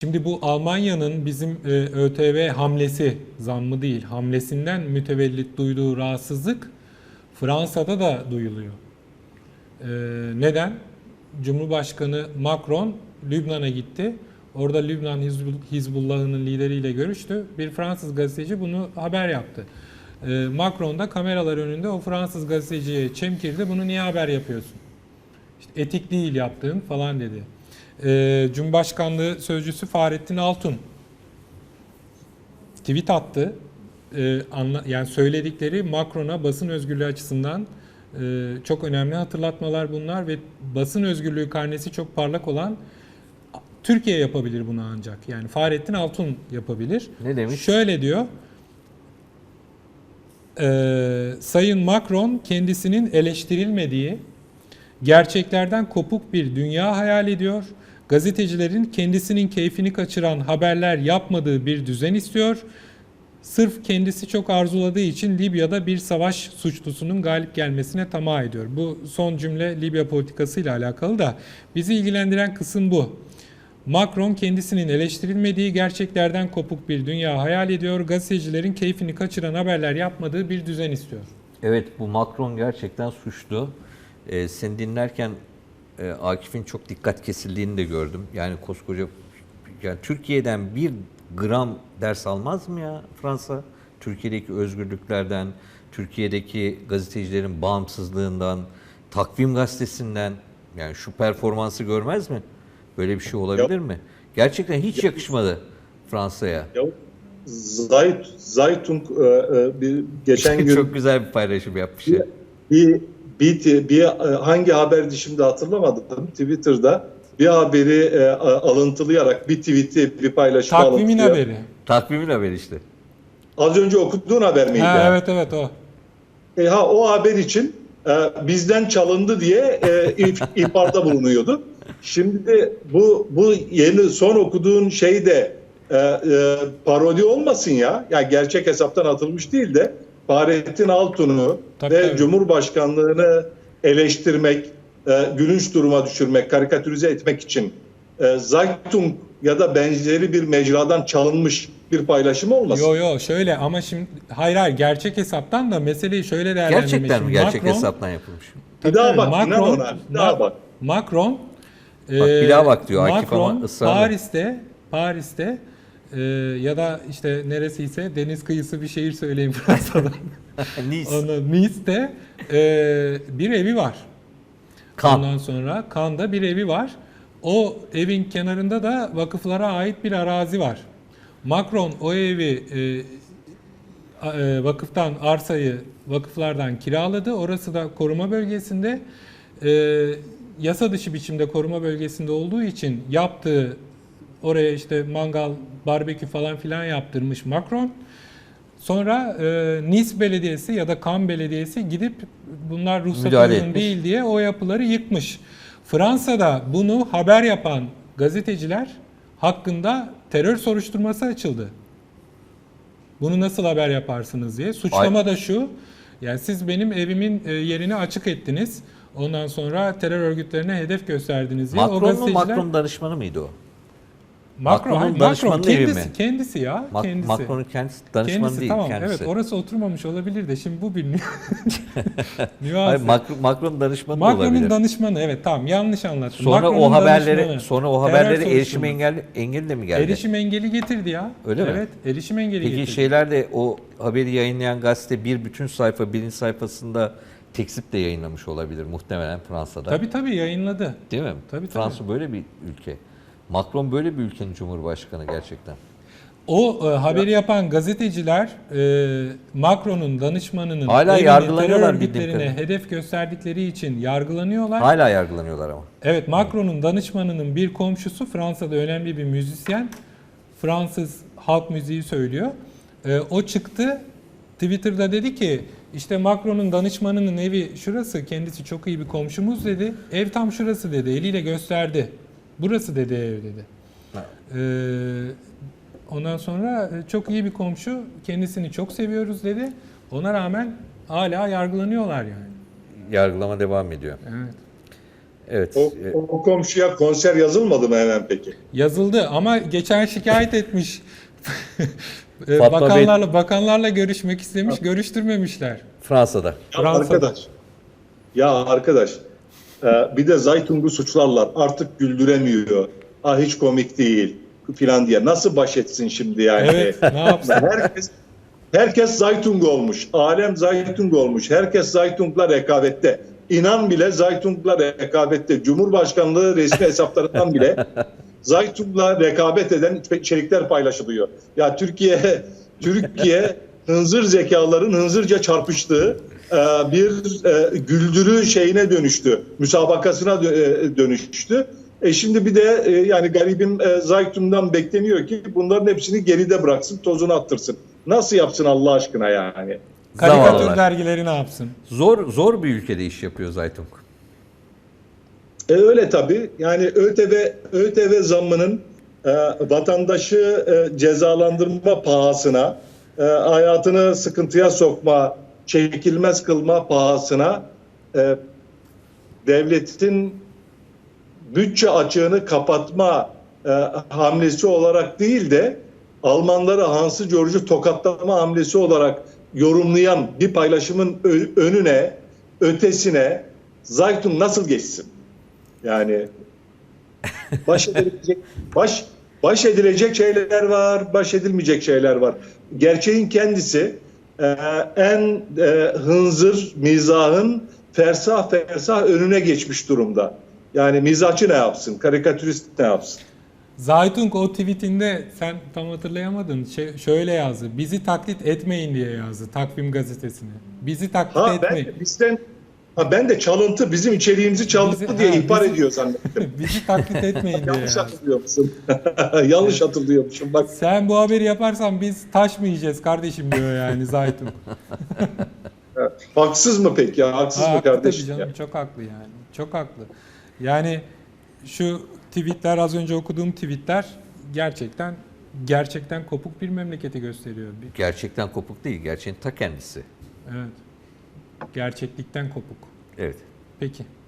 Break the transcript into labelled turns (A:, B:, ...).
A: Şimdi bu Almanya'nın bizim ÖTV hamlesi, zammı değil, hamlesinden mütevellit duyduğu rahatsızlık Fransa'da da duyuluyor. Neden? Cumhurbaşkanı Macron Lübnan'a gitti. Orada Lübnan Hizbullah'ının lideriyle görüştü. Bir Fransız gazeteci bunu haber yaptı. Macron da kameralar önünde o Fransız gazeteciye çemkirdi. Bunu niye haber yapıyorsun? İşte etik değil yaptığın falan dedi. Cumhurbaşkanlığı Sözcüsü Fahrettin Altun tweet attı. Yani söyledikleri Macron'a basın özgürlüğü açısından çok önemli hatırlatmalar bunlar ve basın özgürlüğü karnesi çok parlak olan Türkiye yapabilir bunu ancak. Yani Fahrettin Altun yapabilir.
B: Ne demiş?
A: Şöyle diyor. Sayın Macron kendisinin eleştirilmediği, gerçeklerden kopuk bir dünya hayal ediyor. Gazetecilerin kendisinin keyfini kaçıran haberler yapmadığı bir düzen istiyor. Sırf kendisi çok arzuladığı için Libya'da bir savaş suçlusunun galip gelmesine tamah ediyor. Bu son cümle Libya politikasıyla alakalı da bizi ilgilendiren kısım bu. Macron kendisinin eleştirilmediği, gerçeklerden kopuk bir dünya hayal ediyor. Gazetecilerin keyfini kaçıran haberler yapmadığı bir düzen istiyor.
B: Evet, bu Macron gerçekten suçlu. Seni dinlerken Akif'in çok dikkat kesildiğini de gördüm. Yani koskoca, yani Türkiye'den bir gram ders almaz mı ya Fransa? Türkiye'deki özgürlüklerden, Türkiye'deki gazetecilerin bağımsızlığından, Takvim Gazetesi'nden, yani şu performansı görmez mi? Böyle bir şey olabilir mi? Gerçekten hiç yakışmadı Fransa'ya.
C: Zeitung bir geçen gün
B: Çok güzel bir paylaşım yapmış.
C: bir hangi haberdi şimdi hatırlamadım. Twitter'da bir haberi alıntılayarak bir tweet'i bir paylaşımı
A: Takvimin
C: alıntılıyor.
A: haberi.
B: Takvimin haberi işte.
C: Az önce okuduğun haber miydi?
A: Ha,
C: Yani?
A: evet o.
C: O haber için bizden çalındı diye ihbarda bulunuyordu. Şimdi bu yeni son okuduğun şey de parodi olmasın ya. Yani gerçek hesaptan atılmış değil de Fahrettin Altun'u ve Cumhurbaşkanlığını eleştirmek, gülünç duruma düşürmek, karikatürize etmek için Zeitung ya da benzeri bir mecradan çalınmış bir paylaşım olmasın.
A: Yo şöyle ama şimdi hayır gerçek hesaptan da meseleyi şöyle değerlendirmek.
B: Gerçekten mi gerçek
A: Macron,
B: hesaptan yapılmış?
C: Bir daha bak, inan ona. Bir daha bak.
A: Macron
B: Bak bir daha bak diyor Akif ama
A: Macron
B: ısrarla.
A: Paris'te ya da işte neresiyse deniz kıyısı bir şehir söyleyeyim Fransa'da. Nice'te bir evi var. Ondan sonra Cannes'da bir evi var. O evin kenarında da vakıflara ait bir arazi var. Macron o evi vakıftan arsayı vakıflardan kiraladı. Orası da koruma bölgesinde. Yasa dışı biçimde koruma bölgesinde olduğu için yaptığı oraya işte mangal, barbekü falan filan yaptırmış Macron. Sonra Nice Belediyesi ya da Cannes Belediyesi gidip bunlar ruhsat uygun değil diye o yapıları yıkmış. Fransa'da bunu haber yapan gazeteciler hakkında terör soruşturması açıldı. Bunu nasıl haber yaparsınız diye. Suçlama da şu. Yani siz benim evimin yerini açık ettiniz. Ondan sonra terör örgütlerine hedef gösterdiniz diye.
B: Macron mu? Macron danışmanı mıydı o?
A: Macron kendisi ya.
B: Macron'un kendisi danışmanı değil.
A: Tamam,
B: kendisi.
A: Evet, orası oturmamış olabilir de şimdi bu bir
B: nüans. Macron danışmanı da olabilir.
A: Macron'un danışmanı, evet, tamam, yanlış anlattım.
B: Sonra o haberlere erişim engeli de mi geldi?
A: Erişim engeli getirdi ya.
B: Öyle mi?
A: Evet, erişim engeli getirdi.
B: Peki şeyler o haberi yayınlayan gazete bir bütün sayfa, birinci sayfasında tekzip de yayınlamış olabilir muhtemelen Fransa'da.
A: Tabii yayınladı.
B: Değil mi?
A: Tabii.
B: Fransa böyle bir ülke. Macron böyle bir ülkenin cumhurbaşkanı gerçekten.
A: O haberi yapan gazeteciler Macron'un danışmanının
B: hala
A: terör örgütlerine hedef gösterdikleri için yargılanıyorlar.
B: Hala yargılanıyorlar ama.
A: Evet, Macron'un danışmanının bir komşusu Fransa'da önemli bir müzisyen. Fransız halk müziği söylüyor. O çıktı Twitter'da dedi ki işte Macron'un danışmanının evi şurası, kendisi çok iyi bir komşumuz dedi. Ev tam şurası dedi, eliyle gösterdi. Burası dedi ev dedi. Ondan sonra çok iyi bir komşu, kendisini çok seviyoruz dedi. Ona rağmen hala yargılanıyorlar yani.
B: Yargılama devam ediyor.
A: Evet.
B: Evet.
C: O komşuya konser yazılmadı mı hemen peki?
A: Yazıldı ama geçen şikayet etmiş.
B: Fatma Bey-
A: Bakanlarla görüşmek istemiş, görüştürmemişler.
B: Fransa'da.
C: Ya
A: Fransa'da.
C: arkadaş, bir de Zaytung'u suçlarlar. Artık güldüremiyor. Hiç komik değil filan diye. Nasıl baş etsin şimdi yani?
A: Evet, ne yapsın?
C: Herkes Zaytung olmuş. Alem Zaytung olmuş. Herkes Zaytung'la rekabette. İnan bile Zaytung'la rekabette. Cumhurbaşkanlığı resmi hesaplarından bile Zaytung'la rekabet eden içerikler paylaşılıyor. Ya Türkiye hınzır zekaların hınzırca çarpıştığı bir güldürü şeyine dönüştü. Müsabakasına dönüştü. Şimdi bir de yani garibim Zaytung'dan bekleniyor ki bunların hepsini geride bıraksın, tozunu attırsın. Nasıl yapsın Allah aşkına yani?
A: Karikatür
B: Zavallılar.
A: dergileri ne yapsın?
B: Zor bir ülkede iş yapıyor Zaytung.
C: Öyle tabii. Yani ÖTV zammının vatandaşı cezalandırma pahasına, hayatını sıkıntıya sokma, çekilmez kılma pahasına devletin bütçe açığını kapatma hamlesi olarak değil de Almanları Hansı George'u tokatlama hamlesi olarak yorumlayan bir paylaşımın önüne, ötesine Zaytung nasıl geçsin? Yani baş edilecek şeyler var, baş edilmeyecek şeyler var. Gerçeğin kendisi en hınzır mizahın fersah önüne geçmiş durumda. Yani mizahçı ne yapsın, karikatürist ne yapsın?
A: Zaytung o tweetinde sen tam hatırlayamadın. Şöyle yazdı. Bizi taklit etmeyin diye yazdı Takvim gazetesine. Bizi taklit etmeyin.
C: Ben de çalıntı, bizim içeriğimizi çaldı diye ihbar ediyor zannettim.
A: Bizi taklit etmeyin diye
C: Yanlış
A: yazdı.
C: hatırlıyormuşum. Yanlış hatırlıyormuşum. Bak
A: Sen bu haberi yaparsan biz taş mı yiyeceğiz kardeşim diyor yani Zaytung.
C: haksız mı peki ya? Haksız mı
A: Haklı
C: kardeşim?
A: tabii canım,
C: Ya?
A: çok haklı yani. Çok haklı. Yani şu tweetler, az önce okuduğum tweetler gerçekten kopuk bir memleketi gösteriyor.
B: Gerçekten kopuk değil, gerçeğin ta kendisi.
A: Evet. Gerçeklikten kopuk.
B: Evet.
A: Peki.